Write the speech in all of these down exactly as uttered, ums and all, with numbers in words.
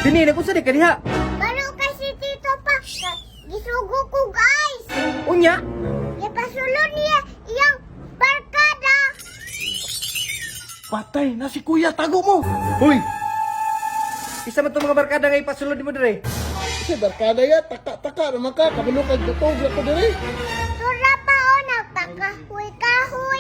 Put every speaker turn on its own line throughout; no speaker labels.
Dini, nagpunsa di ka diha.
Balo kasi Tito pa. Gisugo ko guys.
Unya.
Ipasulod niya iyang barkada.
Patay na si kuya, tago mo.
Hoy. Isa man itong mga barkada nga ipasulod mo dire.
Si barkada ya, taka-taka naman ka, kabalo kag gatog ako diri.
Tura pa o nagpakahoy-kahoy.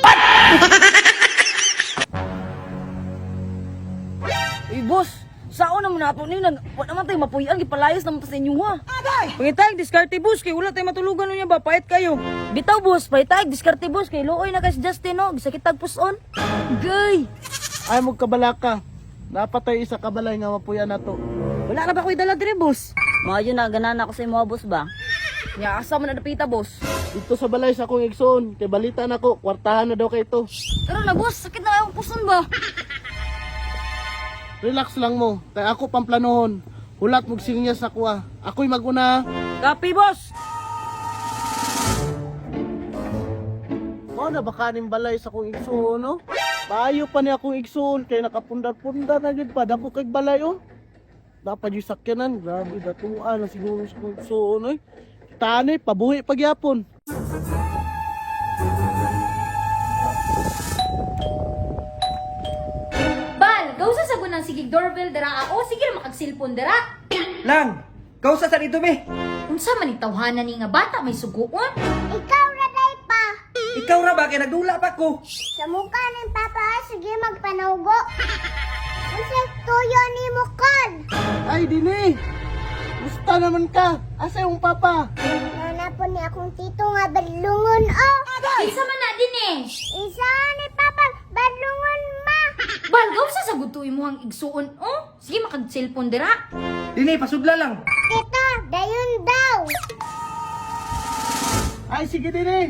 Eh, boss, saan naman nato ni nag wa naman tayo mapuyan gipalayas naman ta sa inyo ha. Pangitag diskarte boss kay wala tayo matulugan niya ba pait kayo. Bitaw boss, pangitag diskarte boss kay looy na kay si Justin no, gisakit tag puson. Gay.
Ay mo kabalaka. Napatay isa kabalay nga mapuya na to.
Wala na ba ko'y dala dire boss? Maayo na ganana ako sa imo boss ba? Nya asa man napita boss.
Dito sa balay sa akong igsoon, kay balita na ko, kwartahan na daw kay to.
Pero na boss, sakit na akong puson ba?
Relax lang mo, kay ako pamplanohon. Hulat mong sinya sa kuha. Ako'y maguna.
Kapi boss.
Mo na baka ning balay sa akong igsoon, no? Maayo pa ni akong igsoon, kay nakapundar-pundar na gid pa. Dako kay balay, oh. Dapat yung sakyanan, grabe, datuan na siguro sa akong igsoon, oy. Tani, pabuhi pagyapon.
Bal, gawsa sa gunang sigig doorbell dara ako, sige na makagsilpon dara.
Lang. Kausa sa dito be.
Unsa man itawhanan ni nga bata may suguon?
Ikaw raday pa.
Ikaw ra ba kay nagdula pa ko.
Sa mukha ng papa, sige magpanugo. Kasi tuyo ni mo kan.
Ay, dini! Gusta naman ka! Asa yung papa?
Nanapon ni akong tito nga badlungon oh.
Isa man na din eh.
Isa ni papa badlungon ma.
Bal, gawsa sa gutuy mo ang igsuon. Oh, sige makagsilpon dara.
Dini, pasudla lang.
Tita, dayon daw.
Ay, sige dini!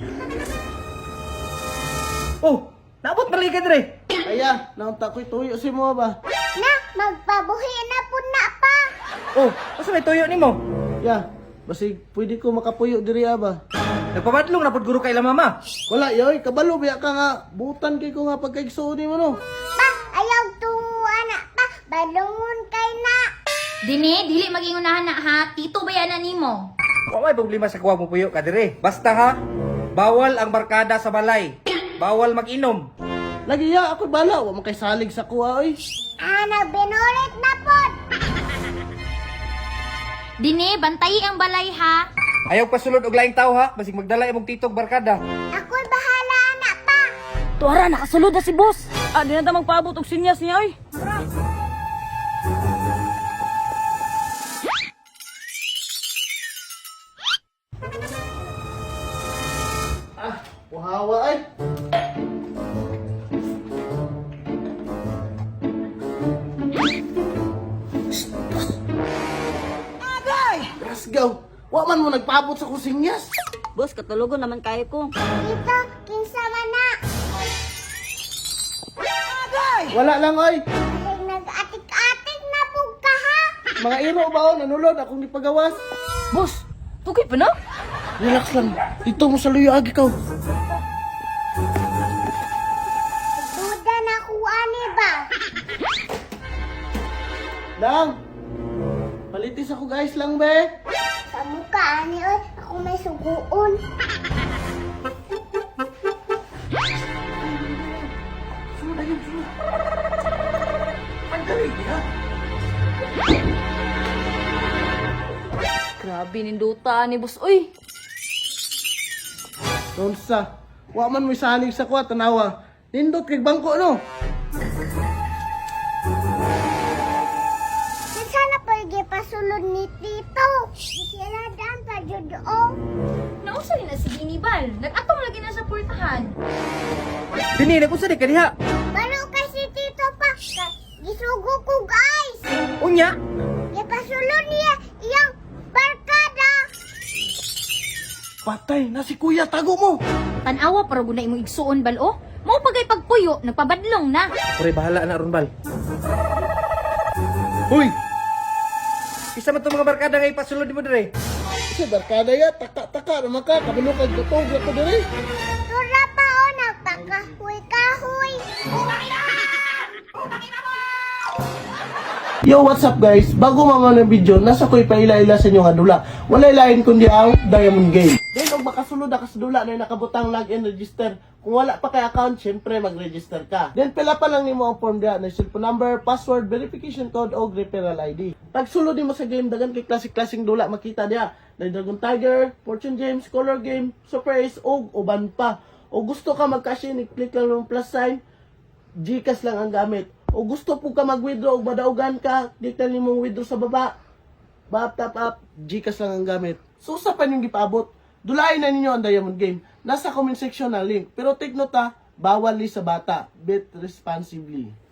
Oh, naabot balik ka dire.
Kaya, naunta ko'y tuyo si mo ba?
Na, magpabuhi na po na pa.
Oh, asa may tuyo nimo?
Ya, basig pwede ko makapuyo diri ba?
Nagpamadlong na pud guro kay la mama.
Wala, yoy, kabalo biya ka nga. Butan kay ko nga pagkaigsuon mo no.
Pa, ayaw tuwa na pa. Badlungon kay na.
Dini, dili magingunahan na ha. Tito bayanan nimo.
Wa may problema sa kuha mo puyo ka dire. Basta ha, bawal ang barkada sa balay. Bawal mag-inom.
Lagi ya, ako bala. Wa man kay salig sa kuha, oy.
Ah, nagbinulit na po.
Dini, bantayi ang balay ha.
Ayaw pasulod og laing tao ha, basig magdala imong titog barkada.
Ako'y bahala na pa.
Tuara nakasulod na si boss. Ah, di na ta magpaabot og sinyas niya oy.
Ah, uhawa ay. Rasgaw, wa man mo nagpaabot sa kusinyas.
Boss, katulugon naman kayo ko.
Tito, kinsa man na.
Wala lang, oy.
Ay, nag-atik-atik na po ka ha.
Mga iro ba o, nanulod akong ipagawas.
Boss, tugay pa na?
Relax lang. Dito mo sa luyo agi ka.
Duda na kuha ni ba?
Lang. Palitis ako guys lang, be.
Sa mukha ni oy, ako may suguon.
Sunod ayun, sunod. Ang galing niya.
Grabe ninduta ni boss oy.
Nonsa. Wa man mo salig sa kuha, tanawa. Nindot kay bangko, no?
Sana pwede pasulod ni Tito. Sila daan pa jud oh.
Nausa rin na si Dini Bal. Nag-atong lagi na sa portahan.
Dini, nagpunsa di ka diha.
Balo kasi Tito pa. Gisugo ko guys.
Unya.
Ipasulod niya iyang barkada.
Patay na si kuya, tago mo.
Tanawa para guna imong igsuon Bal oh. Mao pagay pagpuyo, nagpabadlong na.
Pure bahala na ron bal. Hoy. Isa man itong mga barkada nga ipasulod mo dire.
Si barkada ya, taka-taka naman ka, kabalo kag gatog ako diri.
Tura pa o nagpakahoy-kahoy.
Yo, what's up guys? Bago mama ng video, nasa ko ipaila-ila sa inyo nga dula. Walay lain kundi ang Diamond Game. Then, og makasulod na kasudula na nakabutang login register. Kung wala pa kay account, syempre mag-register ka. Then, pila pa lang nimo ang form diha na cellphone number, password, verification code, o referral I D. Pag sulod nimo sa game, dagan kay klasik-klasing dula makita diha. Na Dragon Tiger, Fortune Games, Color Game, Super Ace, og uban pa. O gusto ka mag-cash in, i-click lang ng plus sign, Gcash lang ang gamit. O gusto po ka mag-withdraw o madaugan ka, click lang nimong withdraw sa baba. Bap, tap up, Gcash lang ang gamit. So, sa pa yung gipaabot, dulayin na ninyo ang Diamond Game. Nasa comment section na link. Pero take note ha, bawal li sa bata. Bet responsibly.